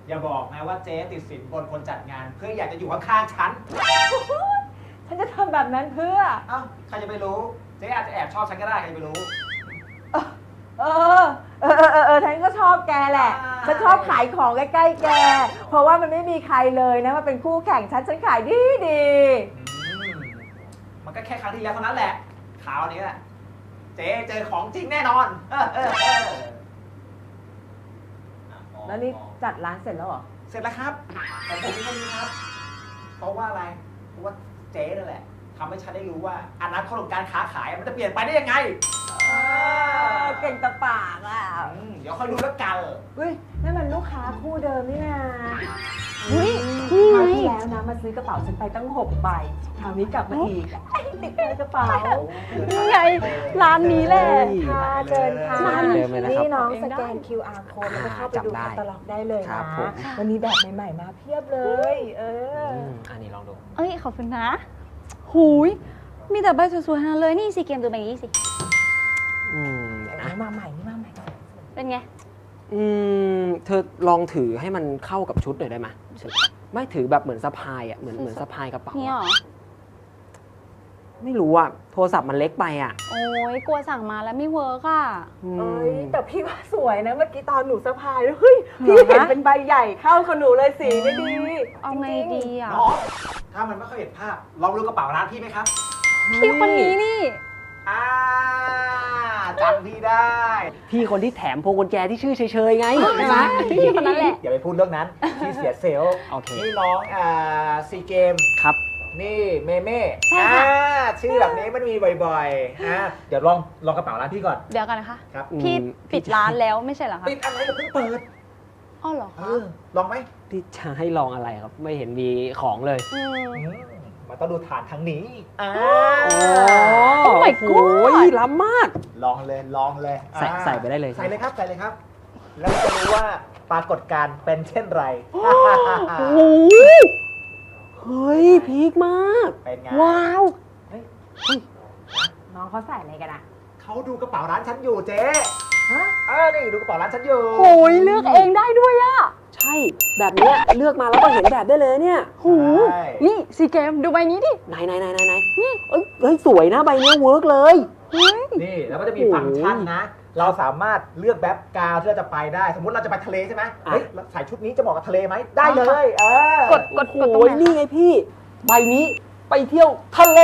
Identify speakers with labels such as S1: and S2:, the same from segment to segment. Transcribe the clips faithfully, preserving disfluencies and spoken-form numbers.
S1: อย่าบอกนะว่าเจ๊ติดสินบนคนจัดงานเพื่ออยากจะอยู่ข้างๆฉัน
S2: ฉันจะทำแบบนั้นเพื่อ
S1: เอ้าใครจะไปรู้เจ๊อาจจะแอบชอบฉันก็ได้ใครจะไปรู้
S2: เออ เออ เออ เออเออฉันก็ชอบแกแหละ
S1: อ่า
S2: ฉันชอบขายของใกล้ๆแก เพราะว่ามันไม่มีใครเลยนะมาเป็นคู่แข่งฉัน ฉันขายดีดี
S1: อืมมันก็แค่ครั้งที่แล้วเท่านั้นแหละคราวนี้แหละเจ๊เจอของจริงแน่นอน เออเออเอออ่ะมอง
S2: แล้วนี่
S1: มอง
S2: จัดร้านเสร็จแล้วเหรอ
S1: เสร็จแล้วครับของผมมีแค่นี้ครับ เพราะว่าอะไร เพราะว่าเจ๊นั่นแหละทำให้ฉันได้รู้ว่าอนาคตของการค้าขายมันจะเปลี่ยนไปได้ยังไง
S2: เออ เก่งตะปากอ่ะ
S1: อืมเดี๋ยวค่อยดูแล้วกัน
S2: เฮ้ยนั่นมันลูกค้าคู่เดิมนี่นา
S3: เฮ้ยนี่ไง
S2: คราวที่แล้วนะมาซื้อกระเป๋าฉันไปตั้งหกใบคราวนี้กลับมาอีกไอ้ติดในกระเป๋า
S3: นี่ไงร้านนี้แหละ
S2: ค่ะเชิญค่ะ
S4: ร้านเดิมเลยนะครับ
S2: นี่น้องสแกน คิว อาร์ code แล้วก็เข้าไปดู
S4: จำได้
S2: แคตตาล็อกได้เลย
S4: ครั
S2: นะ
S4: บผม
S2: วันนี้แบบใหม่ๆมาเพียบเลย เออ
S4: อืมอันนี้ลองดู
S3: เอ้ยขอบคุณนะ หูย มีแต่ใบสวยๆทั้งนั้นเลย นี่สิเกมดูใบนี้สิ
S4: อืมเดี๋ยวนะ
S2: นี่มาใหม่ นี่มาใหม่
S3: เป็นไง
S4: อืมเธอลองถือให้มันเข้ากับชุดหน่อยได้ไหมถือไม่ถือแบบเหมือนสะพายอ่ะเหมือนเหมือนสะพายกระเป๋า
S3: นี่หร
S4: อะ
S3: อ
S4: ไม่รู้อ่ะโทรศัพท์มันเล็กไปอ่ะ
S3: โอ้ยกลัวสั่งมาแล้วไม่เวิร์กอ่ะ
S4: อืม
S2: เอ้ยแต่พี่ว่าสวยนะเมื่อกี้ตอนหนูสะพายเฮ้ยพี่
S3: เหรอ
S2: เห็น
S3: คะ
S2: เป็นใบใหญ่เข้ากับหนูเลยสีนี่ดี
S3: เอาไง
S2: จริ
S3: ดี
S2: ๆ
S3: อ่ะ
S1: น้องถ้ามันไม่ค่อยเห็นภาพ ลองดูกระเป๋าร้านพี่ไหมครับ
S3: พี่คนนี้นี่
S1: อ่าจำพี่ได้
S4: พี่คนที่แถมพวงกุญแจที่ชื่อเฉยๆไงใช่ไหม
S3: พี่คนนั้นแหละ
S1: อย่าไปพูดเรื่องนั้น พี่เสียเซลล์
S4: โอเค
S1: นี่น้องอ่าซีเกม
S4: ครับ
S1: นี่เมเม่
S3: ใช่
S1: อ่า
S3: ค่ะ
S1: ชื่อแบบนี้มันมีบ่อยๆอ่าเดี๋ยวลองลองกระเป๋าร้านพี่ก่อน
S3: เดี๋ยวกันนะคะ
S1: ครับ
S3: พี่
S4: อืม
S3: ปิดร้านแล้วไม่ใช่เหรอคะ
S1: ปิดอะไรเราเพิ่งเปิด
S3: อ้อเหรอ
S1: เอ
S3: คะ
S1: อลองไหม
S4: ที่จะให้ลองอะไรครับ ไม่เห็นมีของเลย
S3: อืม
S1: อืมมันต้องดูฐานทางนี้อ่า
S4: โอ้
S3: Oh my
S4: โหล้ำมาก
S1: ลองเลยลองเลย
S4: ใส่
S1: อ่า
S4: ใส่ไปได้เลย
S1: ใส่เลยครับใส่เลยครับ แล้วจะรู้ว่าปรากฏการณ์เป็นเช่นไร
S4: โอ้โหเฮ้ยพีคมาก
S1: เป็นไง
S4: ว้าว
S1: เฮ้ย
S2: น้องเขาใส่อะไรกันอ่ะ
S1: เขาดูกระเป๋าร้านฉันอยู่เจ๊
S2: ฮะ
S1: เออนี่ดูกระเป๋าร้านฉันอยู่
S3: โอ้ยเลือกเองได้ด้วยอ่ะ
S4: ใช่ แบบเนี้ยเลือกมาแล้วก็เห็นแบบได้เลยเนี่ย
S3: หู
S1: ใช่
S3: นี่ซีเกมดูใบนี้ดิ
S4: ไหนไหนไหนไหนไหนนี่เอ้ยเฮ้ยสวยนะใบเนี้ยเวิร์กเลย
S3: เฮ้ย
S1: นี่แล้วก็จะมีฟังก์ชันนะ เราสามารถเลือกแบ็คกราวด์ที่เราจะไปได้ สมมติเราจะไปทะเลใช่ไหม
S4: อ่ะ
S1: เฮ้ยเราใส่ชุดนี้จะเหมาะกับทะเลไหมได้เลย เออก
S3: ดกดกดตรง
S4: โอ้ย
S3: ไหน
S4: นี่
S3: คะ
S4: ไงพี่ ใบนี้ไปเที่ยวทะเล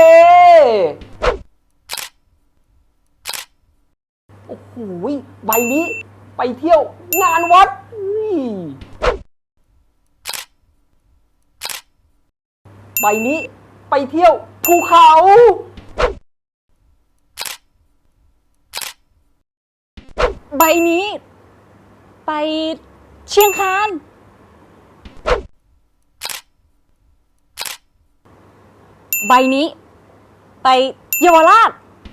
S4: โอ้โหใบนี้ไปเที่ยวงานวัดอุ้ยใบนี้ไปเที่ยวภูเขา
S3: ใบนี้ ไปเชียงคาน ใบนี้ ไปเยาวราช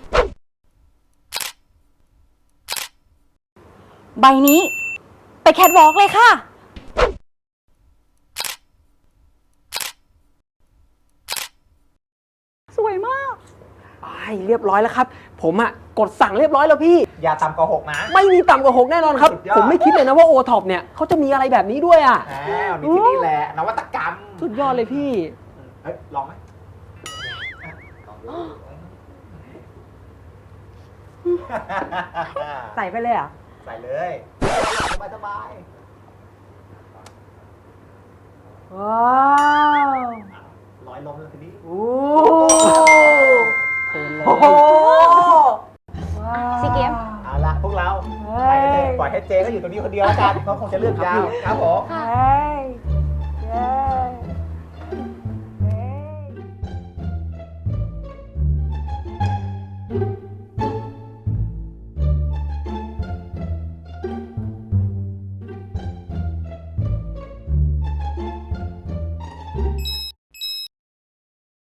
S3: ใบนี้ ไปแคทวอล์กเลยค่ะ สวยมาก
S4: ไปเรียบร้อยแล้วครับ ผมอะกดสั่งเรียบร้อยแล้วพี่
S1: อย่าต่ำกว่าหกนะ
S4: ไม่มีต่ำกว่าหกแน่นอนครับ
S1: สุดยอด
S4: ผมไม่คิดเลยนะว่าโอท็อปเนี่ยเขาจะมีอะไรแบบนี้ด้วยอะ
S1: อ้าวมีที่นี่แหละ นวัตกรรม
S4: สุดยอดเลยพี่
S1: เฮ้ย ลองไหมลองดู
S2: ใส่ไปเลยเหรอ่ะ
S1: ใส่เลยสบายสบาย
S2: ว้าว
S1: ๆร้อยลมเลยทีนี้
S2: โอ้
S4: เพลินเลย
S2: โห
S3: ซีเกม
S1: เอาละพวกเรา
S2: เฮ้
S1: ไปกันเถ
S2: ย
S1: อะปล่อยให้เจก็อยู่ตรงนี้คนเดียวแล้วกันเขาคงจะเลือกยาวครับผม
S2: เฮ้ย